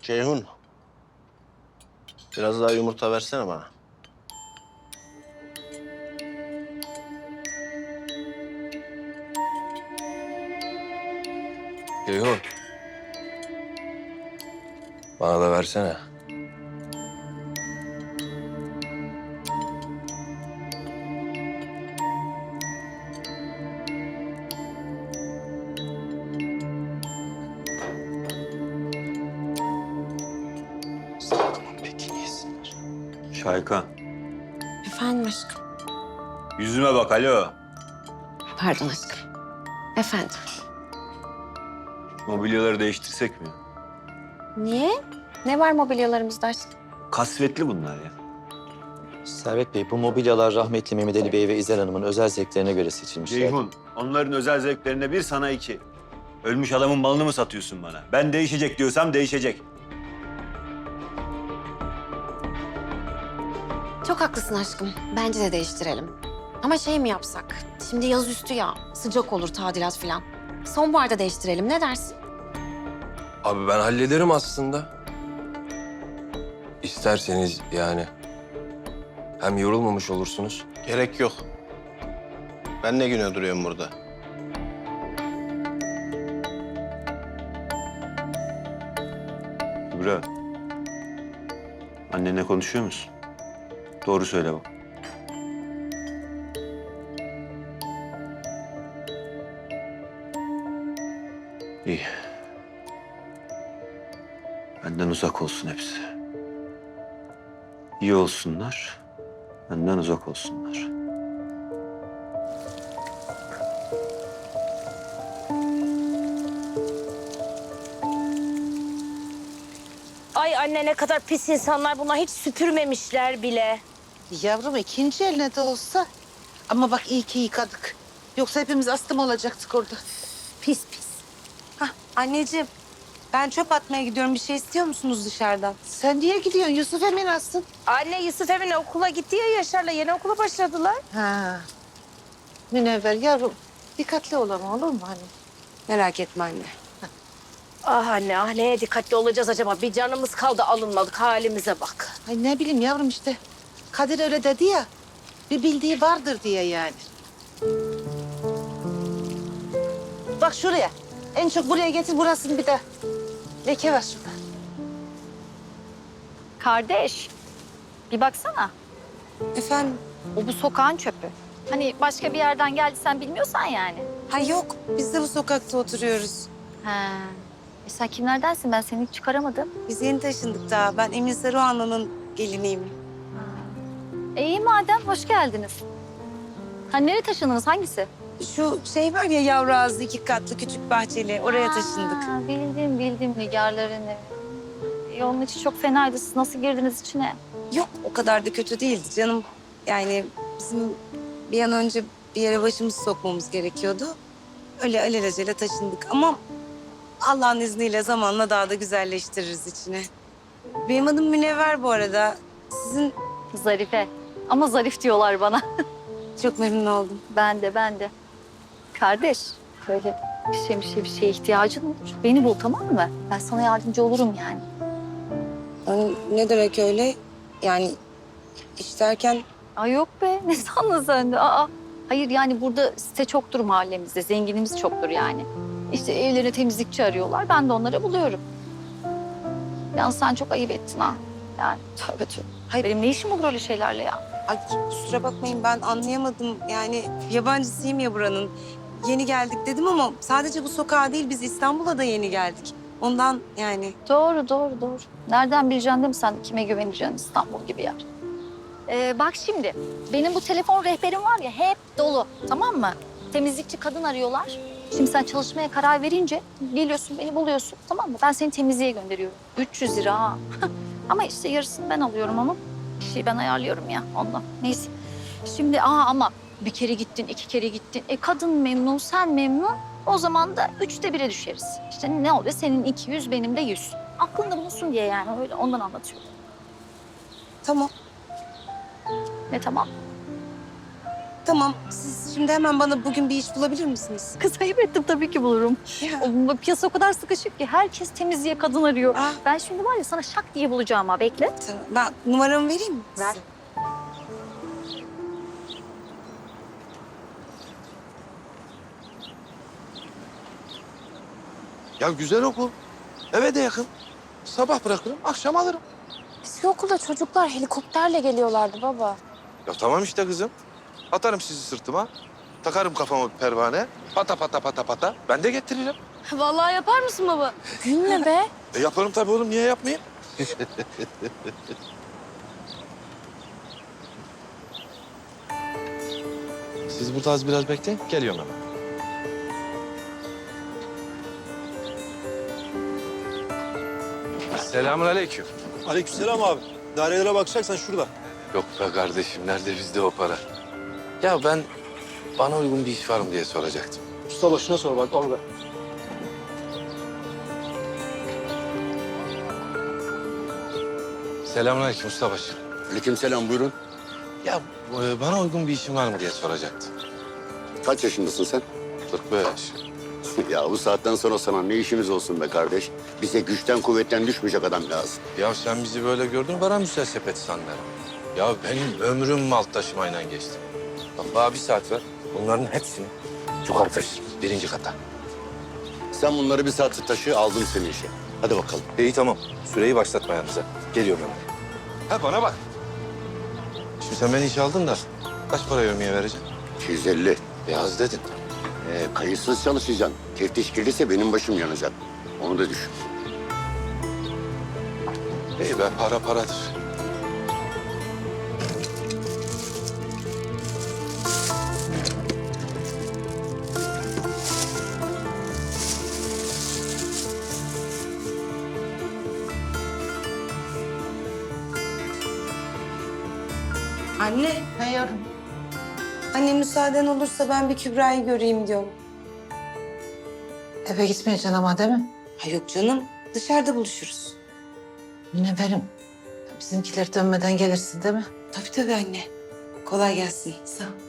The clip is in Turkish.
Ceyhun, biraz daha yumurta versene bana. Ceyhun. Bana da versene. Peki yesinler. Şayka, Efendim aşkım. yüzüme bak alo. Pardon aşkım. Efendim. Mobilyaları değiştirsek mi? Niye? Ne var mobilyalarımızda aşkım? Kasvetli bunlar ya. Servet Bey, bu mobilyalar rahmetli Mehmet Ali Bey ve İzel Hanım'ın özel zevklerine göre seçilmişler. Ceyhun, onların özel zevklerine bir sana iki. Ölmüş adamın malını mı satıyorsun bana? Ben değişecek diyorsam değişecek. Çok haklısın aşkım. Bence de değiştirelim. Ama şey mi yapsak? Şimdi yaz üstü ya. Sıcak olur tadilat falan. Sonbaharda değiştirelim. Ne dersin? Abi ben hallederim aslında. İsterseniz yani. Hem yorulmamış olursunuz. Gerek yok. Ben ne güne duruyorum burada? Kübra, annenle konuşuyor musun? Doğru söyle bak. İyi. Benden uzak olsun hepsi. İyi olsunlar, benden uzak olsunlar. Ay anne ne kadar pis insanlar bunlar hiç süpürmemişler bile. Yavrum ikinci eline de olsa. Ama bak iyi ki yıkadık. Yoksa hepimiz astım olacaktık orada. Pis pis. Anneciğim, ben çöp atmaya gidiyorum. Bir şey istiyor musunuz dışarıdan? Sen niye gidiyorsun? Yusuf Emin astın. Anne Yusuf Emin okula gitti ya Yaşar'la yeni okula başladılar. Ha. Münevver yavrum dikkatli ol ama olur mu hani? Merak etme anne. Ah anne ah neye dikkatli olacağız acaba? Bir canımız kaldı alınmadık halimize bak. Ay ne bileyim yavrum işte. Kadir öyle dedi ya. Bir bildiği vardır diye yani. Bak şuraya. En çok buraya getir burasını bir de. Leke var şurada. Kardeş, bir baksana. Efendim? O bu sokağın çöpü. Hani başka bir yerden geldi sen bilmiyorsan yani. Ha yok, biz de bu sokakta oturuyoruz. He. Sen kimlerdensin? Ben seni hiç çıkaramadım. Biz yeni taşındık daha. Ben Emin Saruhanlı'nın geliniyim. İyi madem, hoş geldiniz. Ha nereye taşındınız? Hangisi? Şu şey var ya yavru ağızlı 2 katlı küçük bahçeli. Oraya taşındık. Ha, bildim Nigarların evi. Onun içi çok fenaydı. Siz nasıl girdiniz içine? Yok, o kadar da kötü değildi canım. Yani bizim bir an önce bir yere başımızı sokmamız gerekiyordu. Öyle alelacele taşındık ama Allah'ın izniyle zamanla daha da güzelleştiririz içine. Benim adım Münevver bu arada. Sizin Zarife. Ama zarif diyorlar bana. çok memnun oldum. Ben de. Kardeş, böyle bir şeye ihtiyacın olur. Beni bul tamam mı? Ben sana yardımcı olurum yani. Yani ne demek öyle? Yani iş derken Ay yok be, ne sandın sen de? Hayır yani burada site çoktur mahallemizde, zenginimiz çoktur yani. İşte evlerine temizlikçi arıyorlar, ben de onları buluyorum. Yalnız sen çok ayıp ettin ha. Yani tövbe tövbe. Hayır benim ne işim olur öyle şeylerle ya? ay kusura bakmayın ben anlayamadım. Yani yabancısıyım ya buranın. Yeni geldik dedim ama sadece bu sokağa değil biz İstanbul'a da yeni geldik. Ondan yani. Doğru. Nereden bileceksin değil mi sen kime güveneceksin İstanbul gibi yer? Bak şimdi, benim bu telefon rehberim var ya hep dolu, tamam mı? Temizlikçi kadın arıyorlar. Şimdi sen çalışmaya karar verince geliyorsun, beni buluyorsun, tamam mı? Ben seni temizliğe gönderiyorum. 300 lira ha. Ama işte yarısını ben alıyorum onun. Bir şeyi ben ayarlıyorum ya ondan. Neyse. Şimdi ama bir kere gittin, 2 kere gittin. Kadın memnun, sen memnun. O zaman da 1/3'e düşeriz. İşte ne oluyor? Senin 200, benim de 100. Aklında bulunsun diye yani öyle ondan anlatıyorum. Tamam. Ne tamam? Tamam, siz şimdi hemen bana bugün bir iş bulabilir misiniz? Kız ayıp ettim tabii ki bulurum. Ya. O, piyasa o kadar sıkışık ki herkes temizliğe kadın arıyor. Ah. Ben şimdi var ya sana şak diye bulacağım ha, bekle. Tamam, ben numaramı vereyim mi? Ver. size? Ya güzel okul. Eve de yakın. Sabah bırakırım, akşam alırım. Eski okulda çocuklar helikopterle geliyorlardı baba. Ya tamam işte kızım. Atarım sizi sırtıma. Takarım kafama bir pervane. Pata pata pata pata. Ben de getiririm. Vallahi yapar mısın baba? Gülme be. Yaparım tabii oğlum. Niye yapmayayım? Siz burada az biraz bekleyin. Geliyorum hemen. Selamünaleyküm. Aleykümselam abi. Dairelere bakacaksan şurada. Yok be kardeşim. Nerede bizde o para? Ya ben bana uygun bir iş var mı diye soracaktım. Usta başına sor bak orada. Selamünaleyküm ustabaşı. Aleykümselam, buyurun. Ya bana uygun bir işin var mı diye soracaktım. Kaç yaşındasın sen? 45. Ya bu saatten sonra sana ne işimiz olsun be kardeş? Bize güçten kuvvetten düşmeyecek adam lazım. Ya sen bizi böyle gördün, bana müselsepet sandın. Ya benim ömrüm mal taşımayla geçti. Bak bana bir saat ver, bunların hepsini yukarı taşırım, 1. kata. Sen bunları bir saat taşı, aldım seni işe. Hadi bakalım. İyi tamam, süreyi başlatma yanınıza. Geliyorum hemen. Ha bana bak. Şimdi sen beni işe aldın da kaç para yevmiye vereceksin? 250. Az dedin. Kayıtsız çalışacaksın. Teftiş gelirse benim başım yanacak. Onu da düşün. İyi be, para paradır. Anne, Ne yavrum? anne müsaaden olursa ben bir Kübra'yı göreyim diyorum. Eve gitmeyeceksin ama değil mi? Ha yok canım, dışarıda buluşuruz. Münevverim. Bizimkiler dönmeden gelirsin değil mi? Tabii tabii anne. Kolay gelsin. Sağ ol.